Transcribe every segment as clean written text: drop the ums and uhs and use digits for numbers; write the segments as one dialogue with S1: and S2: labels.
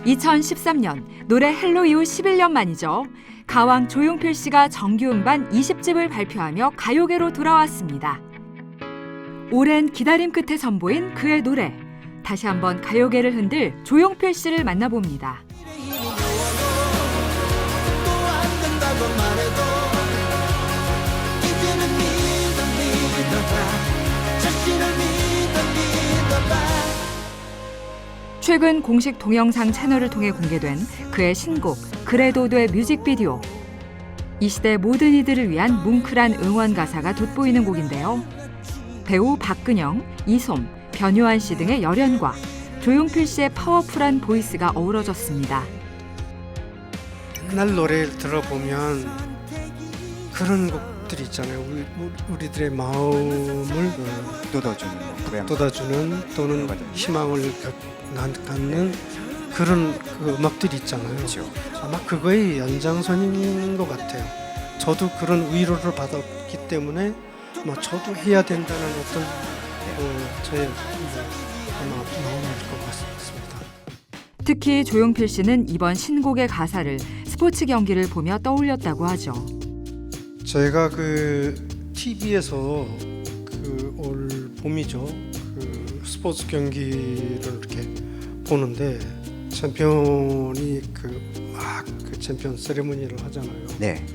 S1: 2013년 노래 헬로 이후 11년 만이죠. 가왕 조용필 씨가 정규 음반 20집을 발표하며 가요계로 돌아왔습니다. 오랜 기다림 끝에 선보인 그의 노래. 다시 한번 가요계를 흔들 조용필 씨를 만나봅니다. 최근 공식 동영상 채널을 통해 공개된 그의 신곡 그래도 돼 뮤직비디오. 이 시대 모든 이들을 위한 뭉클한 응원 가사가 돋보이는 곡인데요. 배우 박근영, 이솜, 변요한 씨 등의 열연과 조용필 씨의 파워풀한 보이스가 어우러졌습니다.
S2: 옛날 노래를 들어보면 그런 곡들이 있잖아요. 우리들의 마음을 돋아주는 또는 희망을 갖는 그런 그 음악들이 있잖아요.
S3: 그렇죠.
S2: 아마 그거의 연장선인 것 같아요. 저도 그런 위로를 받았기 때문에 아마 저도 해야 된다는 어떤 저의 아마 마음일 것 같습니다.
S1: 특히 조용필 씨는 이번 신곡의 가사를 스포츠 경기를 보며 떠올렸다고 하죠.
S2: 제가 그 TV에서 그 올 봄이죠. 그 스포츠 경기를 이렇게 보는데 챔피언이 그 챔피언 세레머니를 하잖아요.
S3: 네.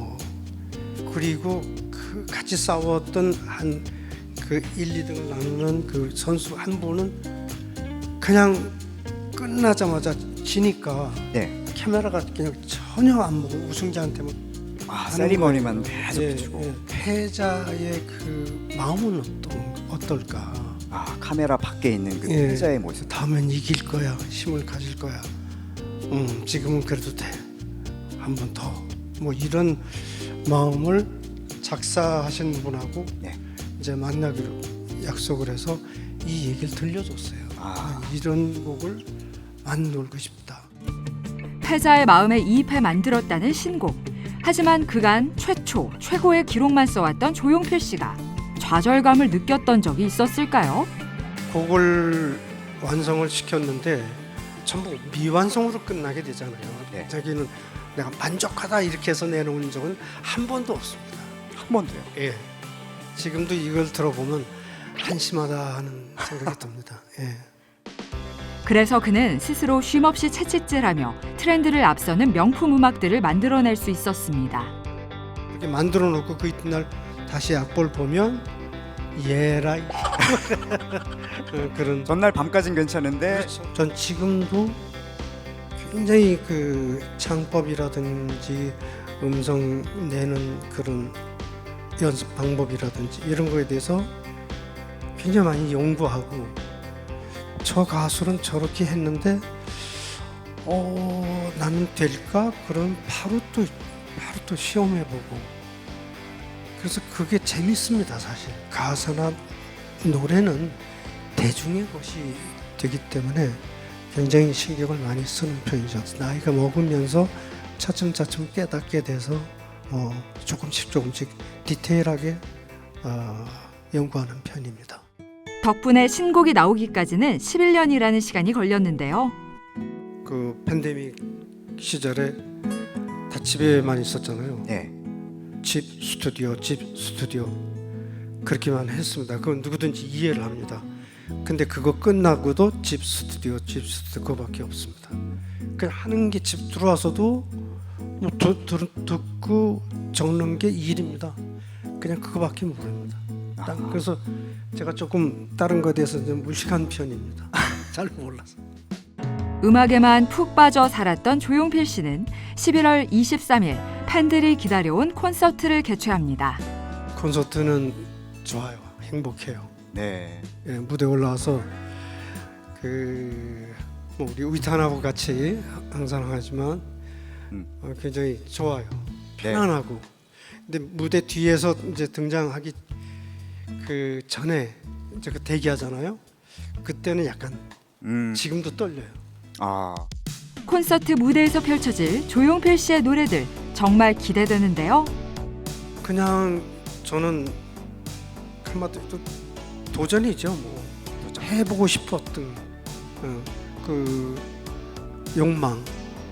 S2: 그리고 그 같이 싸웠던 한 그 1, 2등을 나누는 그 선수 한 분은 그냥 끝나자마자 지니까
S3: 네.
S2: 카메라가 그냥 전혀 안 보고 우승자한테만
S3: 세리머니만 계속 비추고.
S2: 패자의 그 마음은 어떨까?
S3: 카메라 밖에 있는 그
S2: 예.
S3: 패자의 모습.
S2: 다음엔 이길 거야, 힘을 가질 거야. 지금은 그래도 돼. 한 번 더. 뭐 이런 마음을 작사하신 분하고
S3: 네.
S2: 이제 만나기로 약속을 해서 이 얘기를 들려줬어요. 이런 곡을 만들고 싶다.
S1: 패자의 마음에 이입해 만들었다는 신곡. 하지만 그간 최고의 기록만 써왔던 조용필 씨가 좌절감을 느꼈던 적이 있었을까요?
S2: 곡을 완성을 시켰는데 전부 미완성으로 끝나게 되잖아요.
S3: 네.
S2: 자기는 내가 만족하다 이렇게 해서 내놓은 적은 한 번도 없습니다.
S3: 한 번도요.
S2: 예. 지금도 이걸 들어보면 한심하다 하는 생각이 듭니다. 예.
S1: 그래서 그는 스스로 쉼없이 채찍질하며 트렌드를 앞서는 명품 음악들을 만들어낼 수 있었습니다.
S2: 이렇게 만들어 놓고 그 이튿날 다시 악보를 보면 예라이 그런.
S3: 전날 밤까진 괜찮은데.
S2: 그렇죠. 전 지금도 굉장히 그 창법이라든지 음성 내는 그런 연습 방법이라든지 이런 거에 대해서 굉장히 많이 연구하고 저 가수는 저렇게 했는데 나는 될까? 그럼 바로 또 시험해보고 그래서 그게 재밌습니다. 사실 가사나 노래는 대중의 것이 되기 때문에 굉장히 신경을 많이 쓰는 편이죠. 나이가 먹으면서 차츰차츰 깨닫게 돼서 조금씩 디테일하게 연구하는 편입니다.
S1: 덕분에 신곡이 나오기까지는 11년이라는 시간이 걸렸는데요.
S2: 그 팬데믹 시절에 다 집에만 있었잖아요.
S3: 네.
S2: 집 스튜디오 그렇게만 했습니다. 그건 누구든지 이해를 합니다. 근데 그거 끝나고도 집 스튜디오 그거밖에 없습니다. 그냥 하는 게 집 들어와서도 뭐 듣고 적는 게 일입니다. 그냥 그거밖에 모릅니다. 그래서 제가 조금 다른 거에 대해서 좀 무식한 편입니다. 잘 몰라서.
S1: 음악에만 푹 빠져 살았던 조용필 씨는 11월 23일 팬들이 기다려온 콘서트를 개최합니다.
S2: 콘서트는 좋아요. 행복해요.
S3: 네.
S2: 예, 무대 올라와서 뭐 우리 위탄하고 같이 항상 하지만 굉장히 좋아요. 편안하고. 근데 무대 뒤에서 이제 등장하기 그 전에 이제 그 대기하잖아요. 그때는 약간 지금도 떨려요.
S1: 콘서트 무대에서 펼쳐질 조용필 씨의 노래들 정말 기대되는데요.
S2: 그냥 저는 한마디로 도전이죠. 뭐 해보고 싶었던 그 욕망이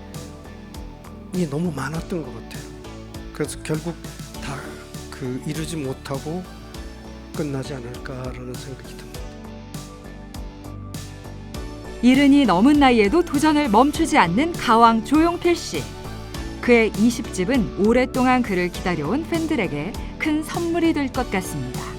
S2: 너무 많았던 것 같아요. 그래서 결국 다 이루지 못하고 끝나지 않을까라는 생각이 듭니다.
S1: 이른이 넘은 나이에도 도전을 멈추지 않는 가왕 조용필 씨. 그의 20집은 오랫동안 그를 기다려온 팬들에게 큰 선물이 될 것 같습니다.